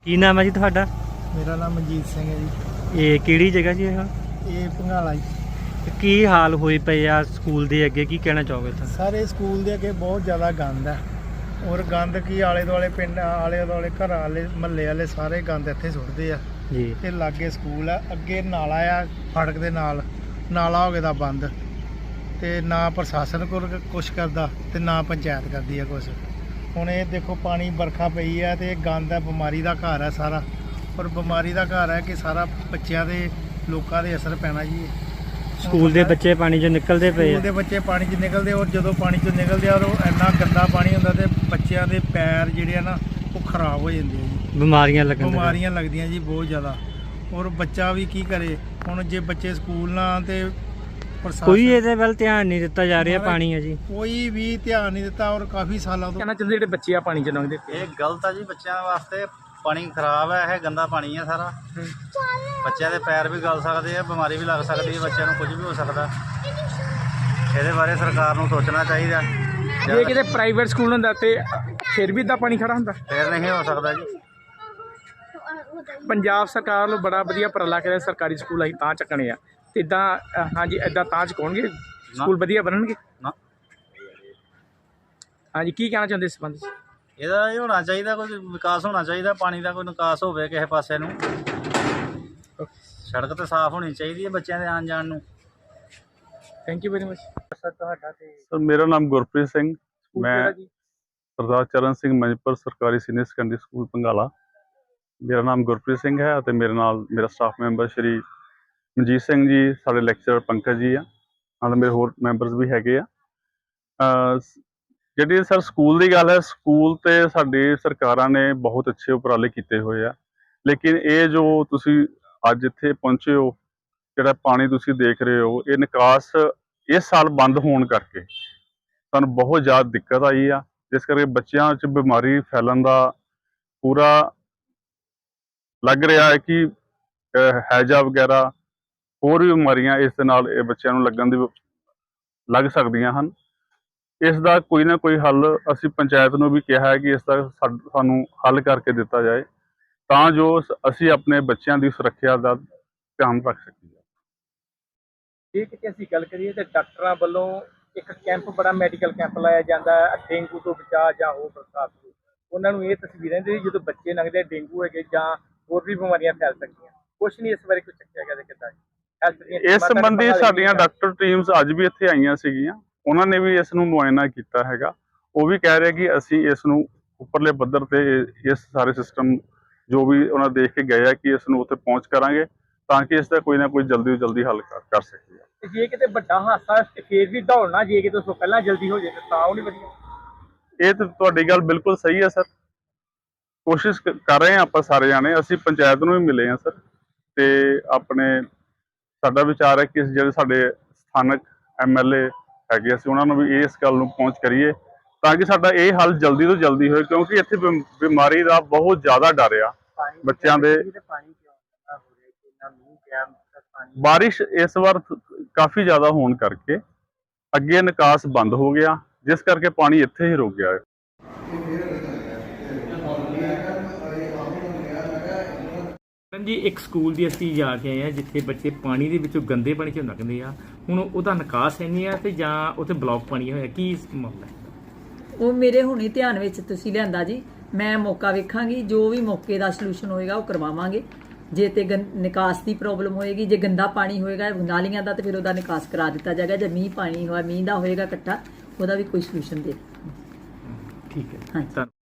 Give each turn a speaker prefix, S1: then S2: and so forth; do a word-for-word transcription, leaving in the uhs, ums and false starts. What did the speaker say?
S1: ਕੀ ਨਾਮ ਹੈ ਜੀ ਤੁਹਾਡਾ?
S2: ਮੇਰਾ ਨਾਮ ਮਨਜੀਤ ਸਿੰਘ ਹੈ ਜੀ।
S1: ਇਹ ਕਿਹੜੀ ਜਗ੍ਹਾ ਜੀ? ਇਹ
S2: ਇਹ ਭੰਗਾਲਾ ਜੀ।
S1: ਤੇ ਕੀ ਹਾਲ ਹੋਏ ਪਏ ਆ ਸਕੂਲ ਦੇ ਅੱਗੇ, ਕੀ ਕਹਿਣਾ ਚਾਹੋਗੇ ਤੁਸੀਂ?
S2: ਸਾਰੇ ਸਕੂਲ ਦੇ ਅੱਗੇ ਬਹੁਤ ਜ਼ਿਆਦਾ ਗੰਦ ਹੈ, ਔਰ ਗੰਦ ਕੀ ਆਲੇ ਦੁਆਲੇ ਪਿੰਡ ਆਲੇ ਦੁਆਲੇ ਘਰਾਂ ਵਾਲੇ ਮਹੱਲੇ ਵਾਲੇ ਸਾਰੇ ਗੰਦ ਇੱਥੇ ਸੁੱਟਦੇ ਆ
S1: ਜੀ।
S2: ਤੇ ਲਾਗੇ ਸਕੂਲ ਆ, ਅੱਗੇ ਨਾਲਾ ਆ ਫੜਕ ਦੇ ਨਾਲ, ਨਾਲਾ ਹੋ ਗਿਆ ਦਾ ਬੰਦ, ਤੇ ਨਾ ਪ੍ਰਸ਼ਾਸਨ ਕੋਲ ਕੁਛ ਕਰਦਾ ਤੇ ਨਾ ਪੰਚਾਇਤ ਕਰਦੀ ਆ ਕੁਛ। ਹੁਣ ਇਹ ਦੇਖੋ ਪਾਣੀ ਵਰਖਾ ਪਈ ਆ ਤੇ ਗੰਦ ਹੈ, ਬਿਮਾਰੀ ਦਾ ਘਰ ਹੈ ਸਾਰਾ, ਔਰ ਬਿਮਾਰੀ ਦਾ ਘਰ ਹੈ ਕਿ ਸਾਰਾ ਬੱਚਿਆਂ ਦੇ ਲੋਕਾਂ ਦੇ ਅਸਰ ਪੈਣਾ ਜੀ।
S1: ਸਕੂਲ ਦੇ ਬੱਚੇ ਪਾਣੀ 'ਚੋਂ ਨਿਕਲਦੇ ਪਏ
S2: ਸਕੂਲ
S1: ਆ।
S2: ਦੇ ਬੱਚੇ ਪਾਣੀ 'ਚ ਨਿਕਲਦੇ, ਔਰ ਜਦੋਂ ਪਾਣੀ 'ਚੋਂ ਨਿਕਲਦੇ ਆ ਉਹ ਇੰਨਾ ਗੰਦਾ ਪਾਣੀ ਹੁੰਦਾ ਤੇ ਬੱਚਿਆਂ ਦੇ ਪੈਰ ਜਿਹੜੇ ਆ ਨਾ ਉਹ ਖਰਾਬ ਹੋ ਜਾਂਦੇ ਆ ਜੀ,
S1: ਬਿਮਾਰੀਆਂ ਲੱਗਣ ਦੇ
S2: ਬਿਮਾਰੀਆਂ ਲੱਗਦੀਆਂ ਜੀ ਬਹੁਤ ਜ਼ਿਆਦਾ। ਔਰ ਬੱਚਾ ਵੀ ਕੀ ਕਰੇ ਹੁਣ, ਜੇ ਬੱਚੇ ਸਕੂਲ ਨਾ ਆਉਣ ਤੇ ਪ੍ਰਸ਼ਾਸਨ
S1: ਕੋਈ ਇਹਦੇ ਵੱਲ ਧਿਆਨ ਨਹੀਂ ਦਿੱਤਾ ਜਾ ਰਿਹਾ। ਪਾਣੀ ਹੈ ਜੀ,
S2: ਕੋਈ ਵੀ ਧਿਆਨ ਨਹੀਂ ਦਿੱਤਾ, ਔਰ ਕਾਫੀ ਸਾਲਾਂ ਤੋਂ
S3: ਕਹਿਣਾ ਚਾਹੁੰਦੇ ਜਿਹੜੇ ਬੱਚੇ ਆ ਪਾਣੀ ਚ ਲੰਘਦੇ
S4: ਇਹ ਗਲਤ ਆ ਜੀ ਬੱਚਿਆਂ ਵਾਸਤੇ। ਪਾਣੀ ਖਰਾਬ ਹੈ, ਇਹ ਗੰਦਾ ਪਾਣੀ ਹੈ ਸਾਰਾ। ਬੱਚਿਆਂ ਦੇ ਪੈਰ ਵੀ ਗਲ ਸਕਦੇ ਆ, ਬਿਮਾਰੀ ਵੀ ਲੱਗ ਸਕਦੀ ਹੈ, ਬੱਚਿਆਂ ਨੂੰ ਕੁਝ ਵੀ ਹੋ ਸਕਦਾ। ਇਹਦੇ ਬਾਰੇ ਸਰਕਾਰ ਨੂੰ ਸੋਚਣਾ ਚਾਹੀਦਾ।
S3: ਜੇ ਕਿਤੇ ਪ੍ਰਾਈਵੇਟ ਸਕੂਲ ਹੁੰਦਾ ਤੇ ਫਿਰ ਵੀ ਇਦਾਂ ਪਾਣੀ ਖੜਾ ਹੁੰਦਾ,
S4: ਫਿਰ ਨਹੀਂ ਹੋ ਸਕਦਾ ਜੀ।
S3: ਪੰਜਾਬ ਸਰਕਾਰ ਨੂੰ ਬੜਾ ਵਧੀਆ ਉਪਰਾਲਾ ਕਰਿਆ, ਸਰਕਾਰੀ ਸਕੂਲ ਅਸੀਂ ਤਾਂ ਚੱਕਣੇ ਆ ਤੇ ਇਦਾਂ ਹਾਂਜੀ ਇਦਾਂ ਤਾਂ ਚੁਕਾਉਣਗੇ ਸਕੂਲ ਵਧੀਆ ਬਣਨਗੇ
S4: ਨਾ।
S3: ਹਾਂਜੀ, ਕੀ ਕਹਿਣਾ ਚਾਹੁੰਦੇ ਇਸ ਸੰਬੰਧ 'ਚ?
S4: ਇਹਦਾ ਇਹ ਹੋਣਾ ਚਾਹੀਦਾ, ਕੋਈ ਵਿਕਾਸ ਹੋਣਾ ਚਾਹੀਦਾ, ਪਾਣੀ ਦਾ ਕੋਈ ਨਿਕਾਸ ਹੋਵੇ ਕਿਸੇ ਪਾਸੇ ਨੂੰ। ਸੜਕ ਤੇ ਸਾਫ਼ ਹੋਣੀ ਚਾਹੀਦੀ ਹੈ ਬੱਚਿਆਂ ਦੇ ਆਉਣ ਜਾਣ ਨੂੰ।
S3: Thank you very much.
S2: ਤੁਹਾਡਾ ਤੇ
S5: ਸਰ ਮੇਰਾ ਨਾਮ ਗੁਰਪ੍ਰੀਤ ਸਿੰਘ,
S3: ਸਕੂਲ
S5: ਮੈਂ
S3: ਕਿਹੜਾ ਜੀ?
S5: ਸਰਦਾਰ ਚਰਨ ਸਿੰਘ ਮੰਜਪੁਰ ਸਰਕਾਰੀ ਸੀਨੀਅਰ ਸੈਕੰਡਰੀ ਸਕੂਲ ਭੰਗਾਲਾ। ਮੇਰਾ ਨਾਮ ਗੁਰਪ੍ਰੀਤ ਸਿੰਘ ਹੈ ਅਤੇ ਮੇਰੇ ਨਾਲ ਮੇਰਾ ਸਟਾਫ ਮੈਂਬਰ ਸ਼੍ਰੀ ਮਨਜੀਤ ਸਿੰਘ ਜੀ, ਸਾਡੇ ਲੈਕਚਰਰ ਪੰਕਜ ਜੀ ਆ, ਨਾਲ ਮੇਰੇ ਹੋਰ ਮੈਂਬਰਸ ਵੀ ਹੈਗੇ ਆ। ਅਹ ਜਿਹੜੀ ਸਰ ਸਕੂਲ ਦੀ ਗੱਲ ਹੈ, ਸਕੂਲ ਤੇ ਸਾਡੀ ਸਰਕਾਰਾਂ ਨੇ ਬਹੁਤ ਅੱਛੇ ਉਪਰਾਲੇ ਕੀਤੇ ਹੋਏ ਆ, ਲੇਕਿਨ ਇਹ ਜੋ ਤੁਸੀਂ ਅੱਜ ਇੱਥੇ ਪਹੁੰਚੇ ਹੋ, ਜਿਹੜਾ ਪਾਣੀ ਤੁਸੀਂ ਦੇਖ ਰਹੇ ਹੋ, ਇਹ ਨਿਕਾਸ ਇਸ ਸਾਲ ਬੰਦ ਹੋਣ ਕਰਕੇ ਸਾਨੂੰ ਬਹੁਤ ਜ਼ਿਆਦਾ ਦਿੱਕਤ ਆਈ ਆ, ਜਿਸ ਕਰਕੇ ਬੱਚਿਆਂ 'ਚ ਬਿਮਾਰੀ ਫੈਲਣ ਦਾ ਪੂਰਾ ਲੱਗ ਰਿਹਾ ਹੈ ਕਿ ਹੈਜਾ ਵਗੈਰਾ ਹੋਰ ਵੀ ਬਿਮਾਰੀਆਂ ਇਸ ਦੇ ਨਾਲ ਇਹ ਬੱਚਿਆਂ ਨੂੰ ਲੱਗਣ ਦੀ ਲੱਗ ਸਕਦੀਆਂ ਹਨ। ਇਸ ਦਾ ਕੋਈ ਨਾ ਕੋਈ ਹੱਲ ਅਸੀਂ ਪੰਚਾਇਤ ਨੂੰ ਵੀ ਕਿਹਾ ਹੈ ਕਿ ਇਸ ਦਾ ਸਾਨੂੰ ਹੱਲ ਕਰਕੇ ਦਿੱਤਾ ਜਾਏ, ਤਾਂ ਜੋ ਅਸੀਂ ਆਪਣੇ ਬੱਚਿਆਂ ਦੀ ਸੁਰੱਖਿਆ ਦਾ ਧਿਆਨ ਰੱਖ ਸਕੀਏ।
S3: ਜੇ ਕਿਤੇ ਅਸੀਂ ਗੱਲ ਕਰੀਏ ਤਾਂ ਡਾਕਟਰਾਂ ਵੱਲੋਂ ਇੱਕ ਕੈਂਪ, ਬੜਾ ਮੈਡੀਕਲ ਕੈਂਪ ਲਾਇਆ ਜਾਂਦਾ ਹੈ ਡੇਂਗੂ ਤੋਂ ਬਚਾਅ ਜਾਂ ਹੋਰ ਬਰਸਾਤ ਤੋਂ। ਉਹਨਾਂ ਨੂੰ ਇਹ ਤਸਵੀਰਾਂ ਦੇ ਜਦੋਂ ਬੱਚੇ ਲੰਘਦੇ ਡੇਂਗੂ ਹੈਗੇ ਜਾਂ ਹੋਰ ਵੀ ਬਿਮਾਰੀਆਂ ਫੈਲ ਸਕਦੀਆਂ, ਕੁਛ ਨਹੀਂ ਇਸ ਬਾਰੇ ਕੁਝ ਚੱਕਿਆ ਗਿਆ ਤੇ ਕਿੱਦਾਂ
S5: ਇਸ ਸੰਬੰਧੀ ਸਾਡੀਆਂ ਡਾਕਟਰ ਟੀਮਸ ਅੱਜ ਵੀ ਇੱਥੇ ਆਈਆਂ ਸੀਗੀਆਂ, ਉਹਨਾਂ ਨੇ ਵੀ ਇਸ ਨੂੰ ਮੁਆਇਨਾ ਕੀਤਾ ਹੈਗਾ। ਉਹ ਵੀ ਕਹਿ ਰਹੇ ਕਿ ਅਸੀਂ ਇਸ ਨੂੰ ਉੱਪਰਲੇ ਪੱਧਰ ਤੇ ਇਸ ਸਾਰੇ ਸਿਸਟਮ ਜੋ ਵੀ ਉਹਨਾਂ ਦੇਖ ਕੇ ਗਏ ਆ ਕਿ ਇਸ ਨੂੰ ਉੱਥੇ ਪਹੁੰਚ ਕਰਾਂਗੇ, ਤਾਂ ਕਿ ਇਸ ਦਾ ਕੋਈ ਨਾ ਕੋਈ ਜਲਦੀ ਤੋਂ ਜਲਦੀ ਹੱਲ ਕਰ ਸਕੀਏ।
S3: ਜੇ ਕਿਤੇ ਵੱਡਾ ਹਾਦਸਾ ਫੇਰ ਵੀ ਦੌੜਨਾ, ਜੇ ਕਿਤੇ ਉਸ ਤੋਂ ਪਹਿਲਾਂ ਜਲਦੀ ਹੋ ਜਾਏ ਤਾਂ ਉਹ ਨਹੀਂ ਵਧੀਆ।
S5: ਇਹ ਤਾਂ ਤੁਹਾਡੀ ਗੱਲ ਬਿਲਕੁਲ ਸਹੀ ਹੈ ਸਰ, ਕੋਸ਼ਿਸ਼ ਕਰ ਰਹੇ ਹਾਂ ਆਪਾਂ ਸਾਰੇ ਜਾਣੇ। ਅਸੀਂ ਪੰਚਾਇਤ ਨੂੰ ਵੀ ਮਿਲੇ ਹਾਂ ਸਰ, ਤੇ ਆਪਣੇ ਸਾਡਾ ਵਿਚਾਰ ਹੈ ਕਿ ਜਿਹੜੇ ਸਾਡੇ ਸਥਾਨਕ ਐਮ ਐਲ ਏ ਹੈਗੇ, ਅਸੀਂ ਉਹਨਾਂ ਨੂੰ ਵੀ ਇਸ ਗੱਲ ਨੂੰ ਪਹੁੰਚ ਕਰੀਏ ਤਾਂ ਕਿ ਸਾਡਾ ਇਹ ਹੱਲ ਜਲਦੀ ਤੋਂ ਜਲਦੀ ਹੋਏ, ਕਿਉਂਕਿ ਇੱਥੇ ਬਿਮਾਰੀ ਦਾ ਬਹੁਤ ਜ਼ਿਆਦਾ ਡਰ ਆ ਬੱਚਿਆਂ ਦੇ। ਬਾਰਿਸ਼ ਇਸ ਵਾਰ ਕਾਫੀ ਜ਼ਿਆਦਾ ਹੋਣ ਕਰਕੇ ਅੱਗੇ ਨਿਕਾਸ ਬੰਦ ਹੋ ਗਿਆ, ਜਿਸ ਕਰਕੇ ਪਾਣੀ ਇੱਥੇ ਹੀ ਰੁਕ ਗਿਆ ਹੈ।
S3: ਜੀ ਇੱਕ ਸਕੂਲ ਦੀ ਅਸੀਂ ਜਾ ਕੇ ਆਏ ਆ ਜਿੱਥੇ ਬੱਚੇ ਪਾਣੀ ਦੇ ਵਿੱਚੋਂ ਗੰਦੇ ਪਾਣੀ 'ਚ ਲੰਘਦੇ ਆ, ਹੁਣ ਉਹਦਾ ਨਿਕਾਸ ਹੈ ਨਹੀਂ ਆ ਤੇ ਜਾਂ ਉੱਥੇ ਬਲੌਕ ਪਾਣੀ ਹੋਇਆ, ਕੀ ਮਾਮਲਾ ਹੈ?
S6: ਉਹ ਮੇਰੇ ਹੁਣੇ ਧਿਆਨ ਵਿੱਚ ਤੁਸੀਂ ਲਿਆਂਦਾ ਜੀ, ਮੈਂ ਮੌਕਾ ਵੇਖਾਂਗੀ, ਜੋ ਵੀ ਮੌਕੇ ਦਾ ਸੋਲੂਸ਼ਨ ਹੋਏਗਾ ਉਹ ਕਰਵਾਵਾਂਗੇ। ਜੇ ਤੇ ਨਿਕਾਸ ਦੀ ਪ੍ਰੋਬਲਮ ਹੋਏਗੀ, ਜੇ ਗੰਦਾ ਪਾਣੀ ਹੋਏਗਾ ਨਾਲੀਆਂ ਦਾ, ਤੇ ਫਿਰ ਉਹਦਾ ਨਿਕਾਸ ਕਰਾ ਦਿੱਤਾ ਜਾਏਗਾ। ਜੇ ਮੀਂਹ ਪਾਣੀ ਹੋਇਆ, ਮੀਂਹ ਦਾ ਹੋਏਗਾ ਇਕੱਠਾ, ਉਹਦਾ ਵੀ ਕੋਈ ਸੋਲੂਸ਼ਨ ਦੇ।
S3: ਠੀਕ ਹੈ,
S6: ਹਾਂਜੀ।